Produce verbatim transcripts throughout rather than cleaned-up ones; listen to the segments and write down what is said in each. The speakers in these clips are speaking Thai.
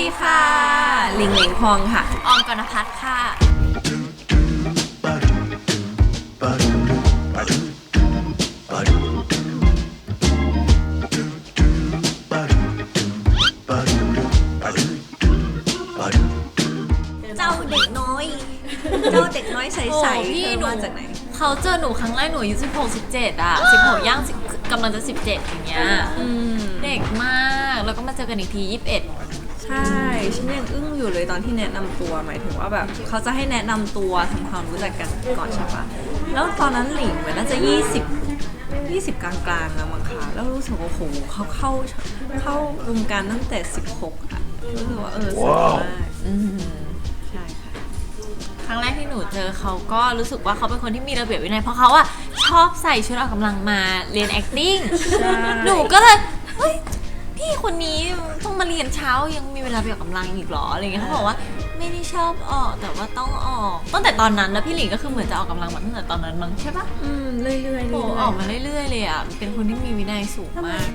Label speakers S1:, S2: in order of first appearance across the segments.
S1: ดีค่ะหลิงหลิงพองค่ะ
S2: ออมกนภัทรค่ะ
S1: เจ้าเด็กน้อยเจ้าเด็กน้อยใสๆพี่มาจากไหน
S2: เขาเจอหนูครั้งแรกหนูอายุสิบหก สิบเจ็ดอ่ะสิบหกย่างกำลังจะสิบเจ็ดอย่างเงี้ยเด็กมากแล้วก็มาเจอกันอีกทียี่สิบเอ็ด
S1: ใช่ฉันยังอึ้งอยู่เลยตอนที่แนะนำตัวหมายถึงว่าแบบเขาจะให้แนะนำตัวทำความรู้จักกันก่อนใช่ปะแล้วตอนนั้นหลิงเหมือนน่าจะยี่สิบ ยี่สิบกลางๆแล้วมั้งคะแล้วรู้สึกว่าโอ้โหเขาเข้าเข้าวงการตั้งแต่สิบหกอ่ะรู้สึกว่าเออสวยมากใช่ค่ะ
S2: ครั้งแรกที่หนูเจอเขาก็รู้สึกว่าเขาเป็นคนที่มีระเบียบวินัยเพราะเขาอะชอบใส่ชุดออกกำลังมาเรียน acting หนูก็เลยเฮ้ยพี่คนนี้ต้องมาเรียนเช้ายังมีเวลาไปออกกำลังอีกหรออะไรเงี้ยเขาบอกว่าไม่ได้ชอบออกแต่ว่าต้องออกตั้งแต่ตอนนั้นแล้วพี่หลิงก็คือเหมือนจะออกกำลังมาตั้งแต่ตอนนั้นมั้งใช่ปะ
S1: อืมเรื่อยๆ
S2: โอ้ออกมาเรื่อยๆเลยอะเป็นคนที่มีวินัยสูงมาก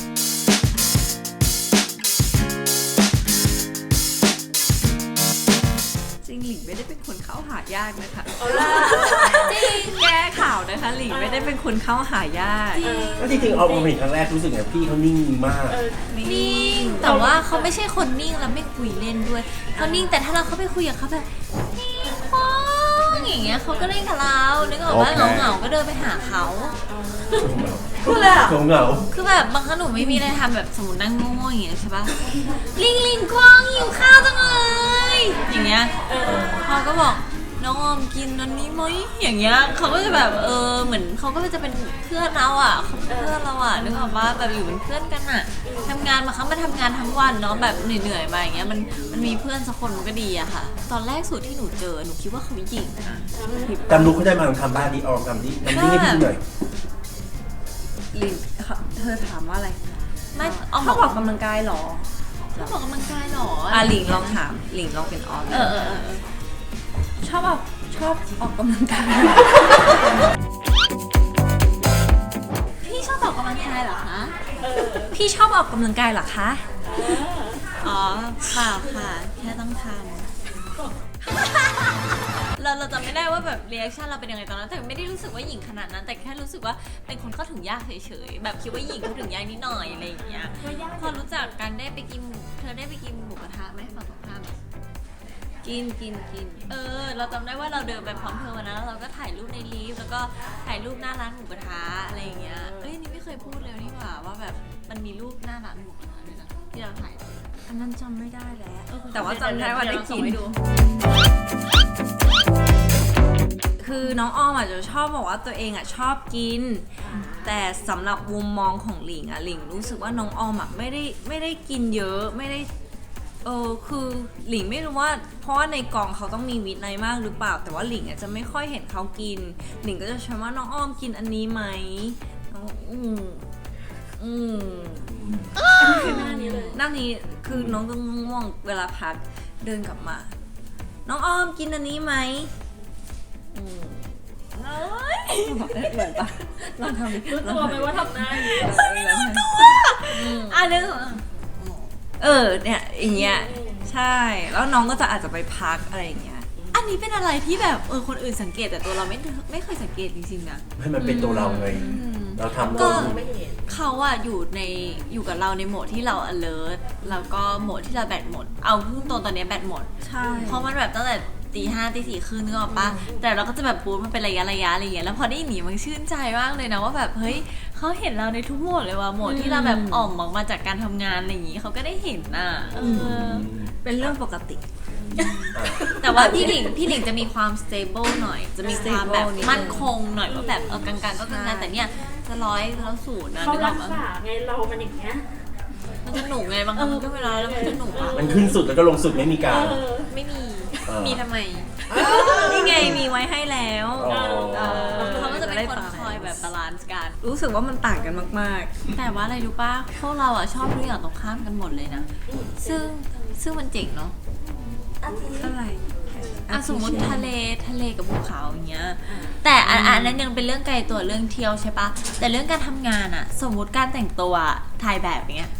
S1: จริงหลิงไม่ได้เป็นคนเข้าหายากนะคะจริงแก้ข่าวนะคะหลิงไม่ได้เป็นคนเข้าหายาก
S3: ก็จริงๆออกมาเห็นครั้งแรกรู้สึกไงพี่เขานิ่งมาก
S2: นิ่งแต่ว่าเขาไม่ใช่คนนิ่งแล้วไม่คุยเล่นด้วยเขานิ่งแต่ถ้าเราเข้าไปคุยกับเขาแบบนิ่งป้องอย่างเงี้ยเขาก็เล่นกับเรานึกออกว่าเหงาๆก็เดินไปหาเขา
S1: พูดเลยอ่ะ
S3: เหงา
S2: คือแบบบางครั้งหนูไม่มีอะไรทำแบบสมมตินั่งง่วงๆอย่างเงี้ยใช่ปะลิงลิงกวางหิวข้าวจังเลยอย่างเงี้ยเขาก็บอกน้องออมกินอันนี้ไหมอย่างเงี้ยเขาก็จะแบบเออเหมือนเขาก็จะเป็นเพื่อนเราอ่ะเขาเป็นเพื่อนเราอ่ะนึกออกว่าแบบอยู่เป็นเพื่อนกันอ่ะทำงานมาครั้งมาทำงานทั้งวันเนาะแบบเหนื่อยๆมาอย่างเงี้ยมันมันมีเพื่อนสักคนมันก็ดีอะค่ะตอนแรกสุดที่หนูเจอหนูคิดว่าเขาหญิง
S3: จำลุกเขาได้มาลองทำบ้านดิออมทำดิทำดิให้พี่หน่อย
S1: ลิงเธอถามว่าอะไร
S2: ไม่ออม
S1: เขาออกกำลังกายหรอ
S2: เขาบอกกำลังกายหรอ
S1: อ่ะหลิงลองถามหลิงลองเป็นออม
S2: เออเออ
S1: ชอบออกชอบออกกำลังกาย
S2: พี่ชอบออกกำลังกายเหรอคะ
S1: พี่ชอบออกกำลังกายเหรอคะ
S2: อ๋อเปล่าค่ะแค่ต้องทำเราเราจำไม่ได้ว่าแบบรีแอคชั่นเราเป็นยังไงตอนนั้นแต่ไม่ได้รู้สึกว่าหญิงขนาดนั้นแต่แค่รู้สึกว่าเป็นคนเข้าถึงยากเฉยๆแบบคิดว่าหญิงเข้าถึงยากนิดหน่อยอะไรอย่างเงี้ยพอรู้จักกันได้ไปกินเธอได้ไปกินหมูกระทะไหมฝั่งตรงข้าม
S1: กินกินกิน
S2: เออเราจำได้ว่าเราเดินไปพร้อมเธอวันนั้นแล้วเราก็ถ่ายรูปในลิฟต์แล้วก็ถ่ายรูปหน้าร้านหมูกระทะอะไรอย่างเงี้ยเอ้ยนี่ไม่เคยพูดเลยนี่หว่าว่าแบบมันมีรูปหน้าร้านหมูกระทะด้วยนะที่เราถ่าย
S1: อันนั้นจำไม่ได้แล้วแต่ว่าจำได้ว่าได้กินคือน้องอ้อมอาจจะชอบบอกว่าตัวเองอ่ะชอบกินแต่สำหรับมุมมองของหลิงอ่ะหลิงรู้สึกว่าน้องอ้อมอ่ะไม่ได้ไม่ได้กินเยอะไม่ได้เออคือหลิงไม่รู้ว่าเพราะว่าในกองเขาต้องมีวินัยมากหรือเปล่าแต่ว่าหลิงอ่ะจะไม่ค่อยเห็นเขากินหลิงก็จะชมว่าน้องอ้อมกินอันนี้ไหมอืมอืมคือหน้านี้เลยหน้านี้คือน้องต้องง่วงเวลาพักเดินกลับมาน้องอ้อมกินอันนี้ไหมอืมเอ้ยเหมือนปะลองทำดิ
S2: รู้ตัวไหมว่าทำได้
S1: ไม่รู้ตัว
S2: อ่ะนึก
S1: เออเนี่ยอย่างเงี้ยใช่แล้วน้องก็จะอาจจะไปพักอะไรอย่างเงี้ย
S2: อันนี้เป็นอะไรที่แบบเออคนอื่นสังเกตแต่ตัวเราไม่ไม่เคยสังเกตจริงๆนะ
S3: ให้มันเป็นตัวเราไงเราทำ
S2: ก็เขาอะอยู่ในอยู่กับเราในโหมดที่เรา alert แล้วก็โหมดที่เราแบตหมดเอาพุ่งตรงตอนนี้แบตหมด
S1: ใช่
S2: เพราะมันแบบตั้งแต่ตีห้าตีสี่ครึ่งนึกออกปะแต่เราก็จะแบบปูมันเป็นระยะระยะอะไรอย่างเงี้ยแล้วพอได้หนีมันชื่นใจมากเลยนะว่าแบบเฮ้ยเขาเห็นเราในทุกโหมดเลยว่ะโหมดที่เราแบบอ่อมออกมาจากการทำงานอะไรอย่างงี้เขาก็ได้เห็นน่ะ
S1: เป็นเรื่องปกติ
S2: แต่ว่าพี่หลิงพี่หลิงจะมีความ stable หน่อยจะมีความแบบมั่นคงหน่อยว่าแบบเออกลางๆก็กลางๆแต่เนี่ยจะร้อยแล้วศูนย์นะ
S4: เขารักษาไงเรามันอย่างเงี้ย
S2: มันจะหนุกไงบางครั้งก็เวลาแล้วมันจะหนุกอ่ะ
S3: มันขึ้นสุดแล้วก็ลงสุดไม่มีการ
S2: ไม่มีมีทำไม
S1: นี่ไงมีไว้ให้แล้ว
S2: เขาก็จะเป็นคนคอยแบบบาลานซ์กัน
S1: รู้สึกว่ามันต่างกันมาก
S2: ๆแต่ว่าอะไรรู้ป่ะพวกเราอ่ะชอบทุกอย่างตรงข้ามกันหมดเลยนะซึ่งซึ่งมันเจ๋งเนาะ
S1: อะไร
S2: อ่ะสมมติทะเลทะเลกับภูเขาอย่างเงี้ยแต่อันอันนั้นยังเป็นเรื่องไกลตัวเรื่องเที่ยวใช่ปะแต่เรื่องการทำงานอ่ะสมมติการแต่งตัวถ่ายแบบอย่างเงี้ย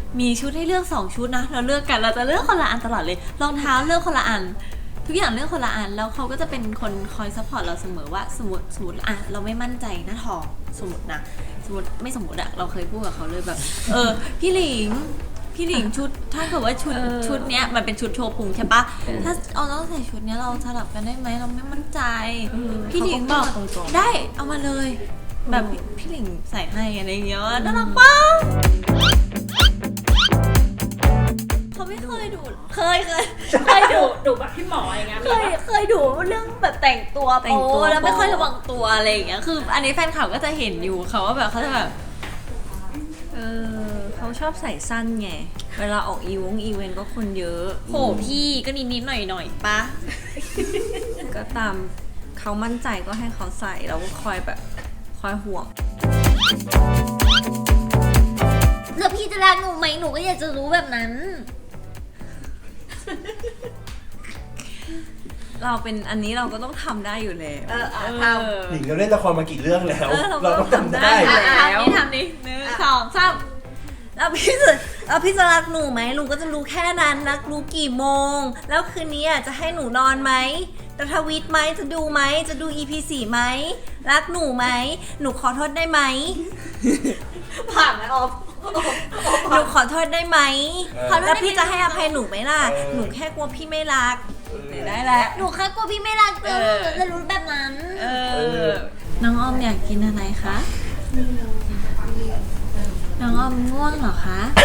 S2: มีชุดให้เลือกสองชุดนะเราเลือกกันเราจะเลือกคนละอันตลอดเลยรองเท้าเลือกคนละอัน ทุกอย่างเลือกคนละอันแล้วเขาก็จะเป็นคนคอยซัพพอร์ตเราเสมอว่าสมมติสมมติอ่ะเราไม่มั่นใจหน้าทองสมมตินะสมมติไม่สมมติอะเราเคยพูดกับเขาเลยแบบ เออพี่หลิงพี่หลิงชุดถ้าเกิดว่าชุดชุดเนี้ยมันเป็นชุดโชว์พุงใช่ปะถ้าเอาเราใส่ชุดเนี้ยเราสลับกันได้ไหมเราไม่มั่นใจพี่หลิงบอกได้เอามาเลยแบบพี่หลิงใส่ให้อะไรอย่างเงี้ยน่ารักปะเขาไม่เคยดูเคยเคยเคย
S4: ดุ
S2: ดู
S4: ดุแบบพี่หมออย่างเงี้ย
S2: เคยเคยดูเรื่องแบบแต่งตัว
S1: แต่งตัว
S2: โป๊แล้วไม่
S1: โป๊
S2: ค่อยระวังตัวอะไรอย่างเงี้ยคืออันนี้แฟนคลับก็จะเห็นอยู่เขาว่าแบบเขาจะแบบ
S1: เออเขาชอบใส่สั้นไง เวลาออกอีวงอีเวนต์ก็คนเยอะ
S2: โหพี่ก็นิดนิดๆหน่อยหน่อยๆปะ
S1: ก็ตามเขามั่นใจก็ให้เขาใส่เราก็คอยแบบคอยห่วง
S2: แล้วพี่จะรักหนูไหมหนูก็อยากจะรู้แบบนั้น
S1: เราเป็นอันนี้เราก็ต้องทำได้อยู่แล้ว
S2: เอออ่ะทำ
S3: หลิงเราเล่นละครมากี่เรื่องแล้ว
S1: เออเราก็
S3: เราต้องทำได้
S1: ทำได้
S2: อ่ะทำนี่ทำนี่หนึ่งสองสาม
S1: แล้วพี่จะแล้วพี่จะรักหนูไหมลุงก็จะรู้แค่นั้นรักรู้กี่โมง แล้วคืนนี้อ่ะจะให้หนูนอนไหมจะทวิตไหมจะดูไหมจะดู อี พี สี่ไหมรักหนูไหมหนูขอโทษได้ไหม
S2: ผ่านไหมออฟ
S1: หนูขอโทษได้ไหม
S3: เออ
S1: แล้วพี่จะให้อภัยหนูไหมล่ะ หนูแค่กลัวพี่ไม่รักได้แหละ
S2: หนูแค่กลัวพี่ไม่รักเจอจะรู้แบบนั้น
S1: เอ
S3: เอ
S1: อ
S3: อ
S2: น้องออมอยากกินอะไรคะ น้องออมง่วงเหรอคะ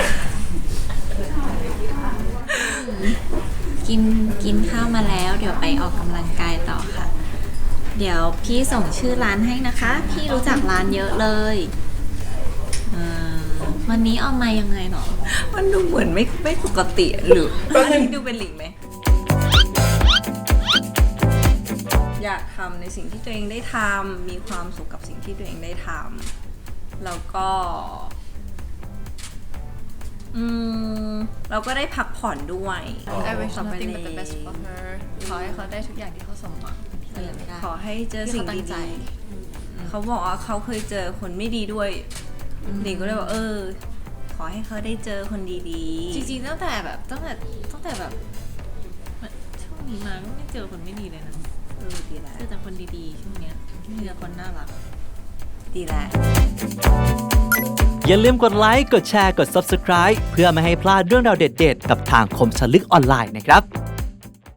S2: กินกินข้าวมาแล้ว เดี๋ยวไปออกกำลังกายต่อค่ะ เดี๋ยวพี่ส่งชื่อร้านให้นะคะ พี่รู้จักร้านเยอะเลยเอ่อวันนี้ออมมายังไงหรอ
S1: มันดูเหมือนไม่ไม่ปกติหรือ
S3: แป๊บนึ
S1: อัน
S3: ง
S1: นี้ดูเป็นหลิงไหม อยากทำในสิ่งที่ตัวเองได้ทำมีความสุขกับสิ่งที่ตัวเองได้ทำแล้วก็ อืมเราก็ได้พักผ่อนด้วย
S5: I wish
S1: ต่อไป
S5: nothing
S1: เล
S5: but the best
S1: ย
S5: for her ขอให้เขาได้ทุกอย่างที่เขาสมหวังที่เขาอยากได้
S1: ขอให้เจอสิ่ง
S5: ที่เขาตั้งใจ
S1: ดีๆเขาบอกว่าเขาเคยเจอคนไม่ดีด้วยหลิงก็เลยบอกเออ ขอให้เขาได้เจอคนดีๆ
S5: จริงๆตั้งแต่แบบตั้งแต่ตั้งแต่แบบช่วงนี้มาก็ไม่เจอคนไม่ดีเลยนะ
S1: เออดีแล้ว
S5: เจอแต่คนดีๆช่วงเนี้ยมีแต่คนน่ารัก
S1: ดีแล้ว
S6: อย่าลืมกดไลค์ กดแชร์ กด Subscribe เพื่อไม่ให้พลาดเรื่องราวเด็ดๆ กับทางคมสนลึกออนไลน์นะครับ